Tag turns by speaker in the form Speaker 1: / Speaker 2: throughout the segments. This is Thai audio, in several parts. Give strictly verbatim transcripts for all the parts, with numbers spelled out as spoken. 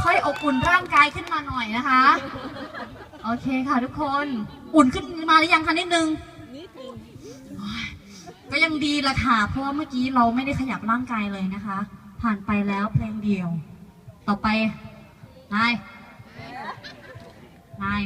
Speaker 1: ค่อยอบอุ่นร่างกายขึ้นมาหน่อยนะคะโอเคค่ะทุกคนอุ่นขึ้นมาหรือยังคะนิดนึงก็ยังดีละค่ะเพราะว่าเมื่อกี้เราไม่ได้ขยับร่างกายเลยนะคะผ่านไปแล้วเพลงเดียวต่อไปนายนาย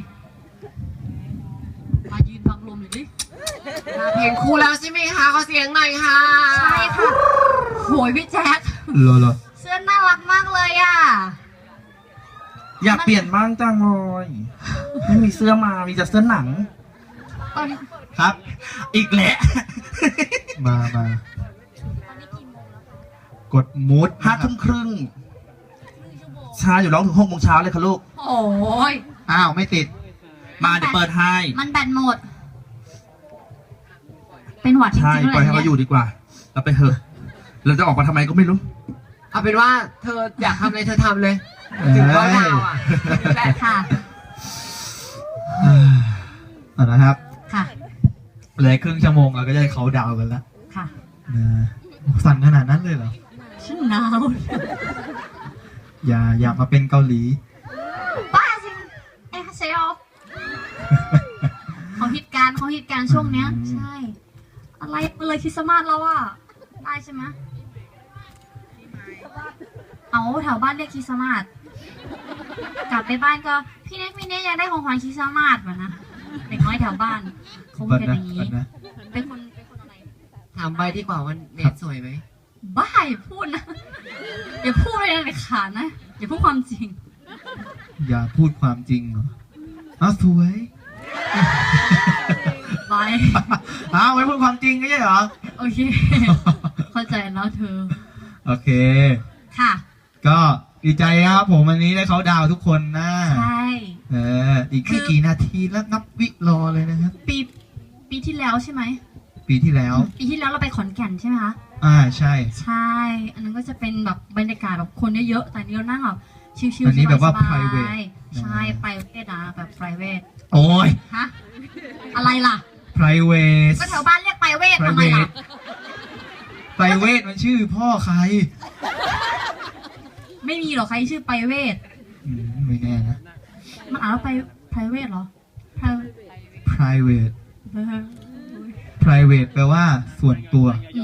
Speaker 1: มายืนฟังลมหน่อยดิ
Speaker 2: เพลงคู่แล้วใช่ไหมคะขอเสียงหน่อยค่ะ
Speaker 1: ใช่ค่ะโหยพี่แจ๊ค
Speaker 3: เหรอเหรอ
Speaker 1: เสื้อน่ารักมากเลยอ่ะ
Speaker 3: อยากเปลี่ยนบ้างจังเลยไม่มีเสื้อมามีแต่เสื้อหนังครับ อีกแหละมามากดมูดห้าทุ่มครึ่งชาอยู่ร้องถึงหกโมงเช้าเลยค่ะลูก
Speaker 1: โอ้ย
Speaker 3: อ้าวไม่ติดมาเดี๋ยวเปิดให้
Speaker 1: มันแบตหมดเป็นหวัดจริงๆเลย
Speaker 3: ใช่ปล่อยให้เขาอยู่ดีกว่าเราไปเถอะเราจะออกมาทำไมก็ไม่รู้
Speaker 2: เอาเป็นว่าเธออยากทำอะไรเธอทำเลยถึงก็ดาวอ่ะ
Speaker 1: แหละค่ะ
Speaker 3: เอาละครับ
Speaker 1: ค่ะ
Speaker 3: เหลือครึ่งชั่วโมงเราก็จะเขาดาวกันแล้ว
Speaker 1: ค่ะ
Speaker 3: สั่นขนาดนั้นเลยเหรอ
Speaker 1: ฉันหนาว
Speaker 3: อย่าอย่ามาเป็นเกาหลี
Speaker 1: บ้าจริงเอ้เซลเขาฮิตการเขาฮิตการช่วงเนี้ยใช่อะไรเลยคริสต์มาสแล้วอ่ะได้ใช่ไหมเอาแถวบ้านเรียกคริสต์มาสกลับไปบ้านก็พี่เน็กพี่เน็กอยากได้ของขวัญคริสต์มาสวะนะเด็กน้อยแถวบ้านเขาเป็นอย่างนี้เป็นคนเป็นคนอะไร
Speaker 2: ถามไปดีกว่าว่าเน็ตสวยไหม
Speaker 1: บ้าอย่าพูดนะอย่าพูดอะไรเลยขาดนะอย่าพูดความจริง
Speaker 3: อย่าพูดความจริงเหรออ้าวสวย
Speaker 1: ไป
Speaker 3: อ้าวไม่พูดความจริงไม่ใช่เหรอ
Speaker 1: โอเคเข้าใจแล้วเธอ
Speaker 3: โอเค
Speaker 1: ค่ะ
Speaker 3: ก็ดีใจครับผมวันนี้ได้เขาดาวทุกคนนะ
Speaker 1: ใช่
Speaker 3: เอออีกไม่กี่นาทีแล้วนับวิรอเลยนะครับ
Speaker 1: ปีปีที่แล้วใช่ไหม
Speaker 3: ปีที่แล้ว
Speaker 1: ปีที่แล้วเราไปขอนแก่นใช่ไหมคะ
Speaker 3: อ่าใช่
Speaker 1: ใช่อันนั้นก็จะเป็นแบบบรรยากาศแบบคนเยอะๆแต่นี้เรานั่งแบบชิว
Speaker 3: ๆอันนี้แบบว่า private
Speaker 1: ใช่ private นะแบบ private
Speaker 3: โอ้ย
Speaker 1: ฮะอะไรล่ะ
Speaker 3: private
Speaker 1: ก็แถวบ้านเรียก private ทำไมล่ะ
Speaker 3: private มันชื่อพ่อใคร
Speaker 1: ไม่มีหรอใครชื่อ private
Speaker 3: ไม่แน่นะ
Speaker 1: มันอ่านว่า private เหรอ
Speaker 3: private private แปลว่าส่วนตัว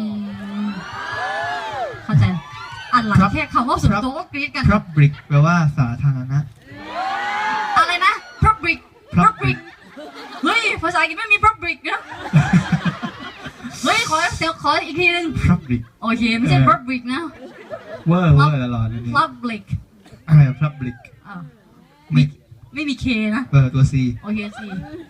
Speaker 1: เข้าใจอ่านหลังแค่คำว่าส่วนตัวก็กรี๊ดกัน
Speaker 3: public แปลว่าสาธารณะ
Speaker 1: อะไรนะ public public เฮ้ยภาษาอังกฤษไม่มี public นะเฮ้ยขอเสียขออีกทีนึง
Speaker 3: public
Speaker 1: โอเคไม่ใช่ public นะ
Speaker 3: เวอร์เวอร์ตลอดเลย
Speaker 1: public
Speaker 3: อะไร public
Speaker 1: ไม่ไม่มี K นะ
Speaker 3: เออตัว C
Speaker 1: โอเค C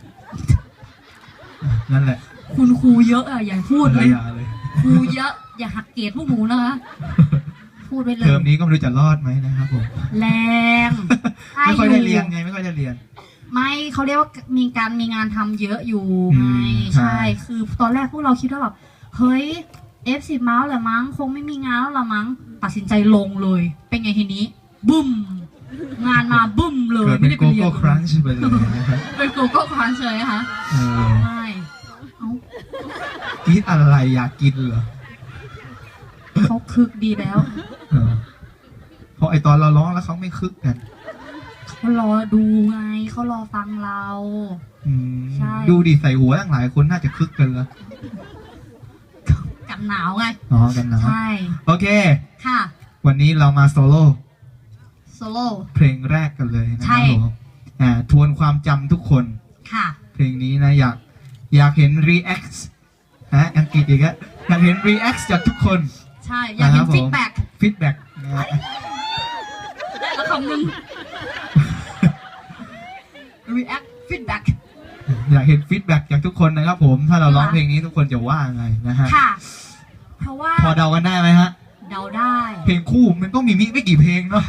Speaker 3: นั่นแหละ
Speaker 1: คุณครูเยอะอ่ะอย่าพูดเลยครูเยอะอย่าหักเกรดพวกหนูนะคะพูดไปเลย
Speaker 3: เทอมนี้ก็ไม่รู้จะรอดไหมนะครับผม
Speaker 1: แรง
Speaker 3: ไม่ค่อยได้เรียนไงไม่ค่อยได้เรียน
Speaker 1: ไม่เขาเรียกว่ามีการมีงานทำเยอะอยู่ไงใช่คือตอนแรกพวกเราคิดว่าแบบเฮ้ย เอฟ สิบ เมาส์แหละมั้งคงไม่มีงานแล้วละมั้งตัดสินใจลงเลยเป็นไงทีนี้บึ้มงานมาบึ้มเลย
Speaker 3: ไม่ได้ไปเรียนโกโก้ครันช์ไปเลยนะครับ
Speaker 1: เป็นโกโก้ครันช์เลยค่ะใช่
Speaker 3: กินอะไรอยากกินเหรอ
Speaker 1: เขาคึกดีแล้ว
Speaker 3: เพราะไอตอนเราร้องแล้วเขาไม่คึกกัน
Speaker 1: เขารอดูไงเขารอฟังเราใช่
Speaker 3: ดูดิใส่หัวตั้งหลายคนน่าจะคึกกันแล้ว
Speaker 1: กันหนาวไง
Speaker 3: อ๋อกันหนาว
Speaker 1: ใช่
Speaker 3: โอเค
Speaker 1: ค่ะ
Speaker 3: วันนี้เรามาโซโล่
Speaker 1: โซโล่
Speaker 3: เพลงแรกกันเลยนะครับผมอ่าทวนความจำทุกคน
Speaker 1: ค่ะ
Speaker 3: เพลงนี้นะอยากอยากเห็น react ฮะอังกฤษอีกแล้วอยากเห็น react จากทุกคน
Speaker 1: ใช่อยากเห็น feedback
Speaker 3: feedback
Speaker 1: แล้วคำนึง react feedback
Speaker 3: อยากเห็น feedback จากทุกคนนะครับผมถ้าเราร้องเพลงนี้ทุกคนจะว่าไงนะฮะ
Speaker 1: ค่ะเพราะว่า
Speaker 3: พอเดากันได้ไหมฮะ
Speaker 1: เดาได้
Speaker 3: เพลงคู่มันต้องมีมิไม่กี่เพลงเนาะ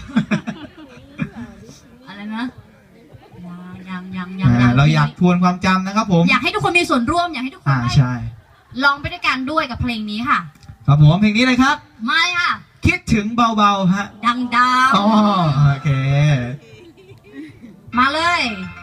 Speaker 1: อะไรนะยังยังยังยัง
Speaker 3: เราอยากทวนความจำนะครับผม
Speaker 1: อยากให้ทุกคนมีส่วนร่วมอยากให้ทุกคนได้
Speaker 3: ใช่
Speaker 1: ลองไปด้วยกันด้วยกับเพลงนี้ค่ะ
Speaker 3: ครับผมเพลงนี้เลยครับ
Speaker 1: ไม่ค่ะ
Speaker 3: คิดถึงเบาๆฮะ
Speaker 1: ดังดาว
Speaker 3: อ๋อโอเค
Speaker 1: มาเลย